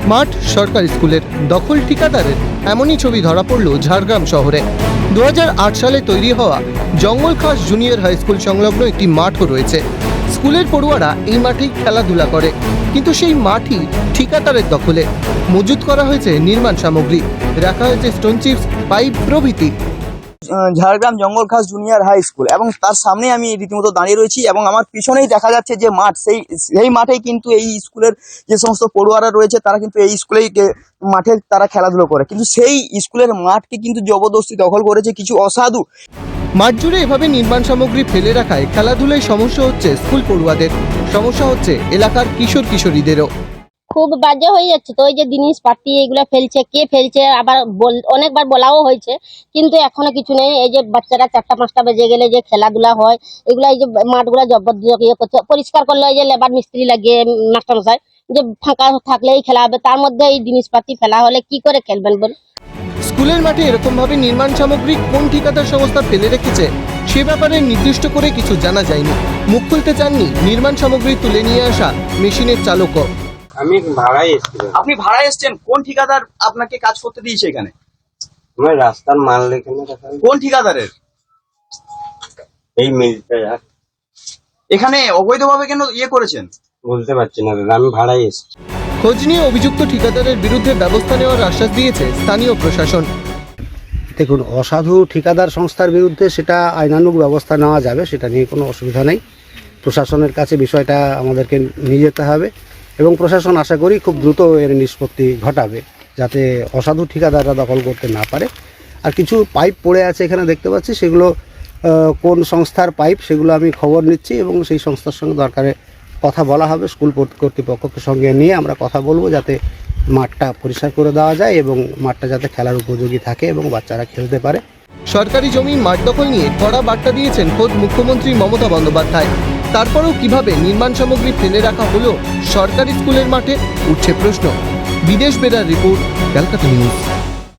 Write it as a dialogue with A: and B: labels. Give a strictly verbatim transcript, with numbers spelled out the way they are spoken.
A: মাঠ সরকারি স্কুলের, দখল ঠিকাদারের, এমনই ছবি ধরা পড়ল ঝাড়গ্রাম শহরে। দু হাজার আট সালে তৈরি হওয়া জঙ্গলখাস জুনিয়র হাই স্কুল সংলগ্ন একটি মাঠও রয়েছে। স্কুলের পড়ুয়ারা এই মাঠেই খেলাধুলা করে, কিন্তু সেই মাঠই ঠিকাদারের দখলে। মজুত করা হয়েছে নির্মাণ সামগ্রী, রাখা হয়েছে স্টোন চিপস, পাইপ প্রভৃতি।
B: Jhargram Jangalkhas junior high school এবং তার সামনে আমি রীতিমতো দাঁড়িয়ে রয়েছি এবং আমার পিছনেই দেখা যাচ্ছে যে মাঠ, সেই সেই মাঠেই কিন্তু এই স্কুলের যে সমস্ত পড়ুয়ারা রয়েছে তারা কিন্তু এই স্কুলেই মাঠে তারা খেলাধুলো করে, কিন্তু সেই স্কুলের মাঠকে কিন্তু জবরদস্তি দখল করেছে কিছু অসাধু।
A: মাঠ জুড়ে এভাবে নির্মাণ সামগ্রী ফেলে রাখায় খেলাধুলায় সমস্যা হচ্ছে স্কুল পড়ুয়াদের, সমস্যা হচ্ছে এলাকার কিশোর কিশোরীদেরও।
C: খুব বাজে হয়ে যাচ্ছে। তো এই যে জিনিসপাতি এগুলো ফেলছে, কে ফেলছে, আবার অনেকবার বলাও হয়েছে, কিন্তু এখনো কিছু নেই। এই যে বাচ্চারা চারটা পাঁচটা বেজে গেলে যে খেলাধুলা হয়, এগুলো এই যে মাঠগুলো জবরদস্ত ইয়ে করছে। পরিষ্কার করলে এই যে লেবার মিস্ত্রি লাগিয়ে মাস্টারমশাই যে ফাঁকা থাকলেই খেলা হবে, তার মধ্যে এই জিনিসপাতি ফেলা হলে কি করে খেলবেন বল?
A: স্কুলের মাঠে এরকম ভাবে নির্মাণ সামগ্রী কোন ঠিকাদার সংস্থা ফেলে রেখেছে সে ব্যাপারে নির্দিষ্ট করে কিছু জানা যায়নি। মুখ খুলতে চাননি নির্মাণ সামগ্রী তুলে নিয়ে আসা মেশিনের চালকও।
D: আমি ভাড়াই এসেছিলাম।
B: আপনি ভাড়া এসছেন? কোন ঠিকাদার আপনাকে কাজ করতে দিয়েছে এখানে?
D: আমার রাস্তার মাল এখানে রাখা হয়েছে।
B: কোন ঠিকাদারের?
D: এই মিলটা আর
B: এখানে অবৈধভাবে কেন ইয়ে করেছেন
D: বলতে পারছি না দাদা, আমি ভাড়াই এসেছি।
A: খোঁজ নিয়ে অভিযুক্ত ঠিকাদারের বিরুদ্ধে ব্যবস্থা নেওয়ার আশ্বাস দিয়েছে স্থানীয় প্রশাসন।
E: দেখুন, অসাধু ঠিকাদার সংস্থার বিরুদ্ধে সেটা আইনানুগ ব্যবস্থা নেওয়া যাবে, সেটা নিয়ে কোনো অসুবিধা নেই। প্রশাসনের কাছে বিষয়টা আমাদেরকে নিয়ে যেতে হবে এবং প্রশাসন আশা করি খুব দ্রুত এর নিষ্পত্তি ঘটাবে, যাতে অসাধু ঠিকাদাররা দখল করতে না পারে। আর কিছু পাইপ পড়ে আছে এখানে দেখতে পাচ্ছি, সেগুলো কোন সংস্থার পাইপ সেগুলো আমি খবর নিচ্ছি এবং সেই সংস্থার সঙ্গে দরকারে কথা বলা হবে। স্কুল কর্তৃপক্ষকে সঙ্গে নিয়ে আমরা কথা বলবো যাতে মাঠটা পরিষ্কার করে দেওয়া যায় এবং মাঠটা যাতে খেলার উপযোগী থাকে এবং বাচ্চারা খেলতে পারে।
A: সরকারি জমি মাঠ দখল নিয়ে কড়া বার্তা দিয়েছেন খোদ মুখ্যমন্ত্রী মমতা বন্দ্যোপাধ্যায়। তারপরেও কিভাবে নির্মাণ সামগ্রী ফেলে রাখা হলো সরকারি স্কুলের মাঠে, উঠছে প্রশ্ন। বিদেশ বেরার রিপোর্ট, ক্যালকাটা নিউজ।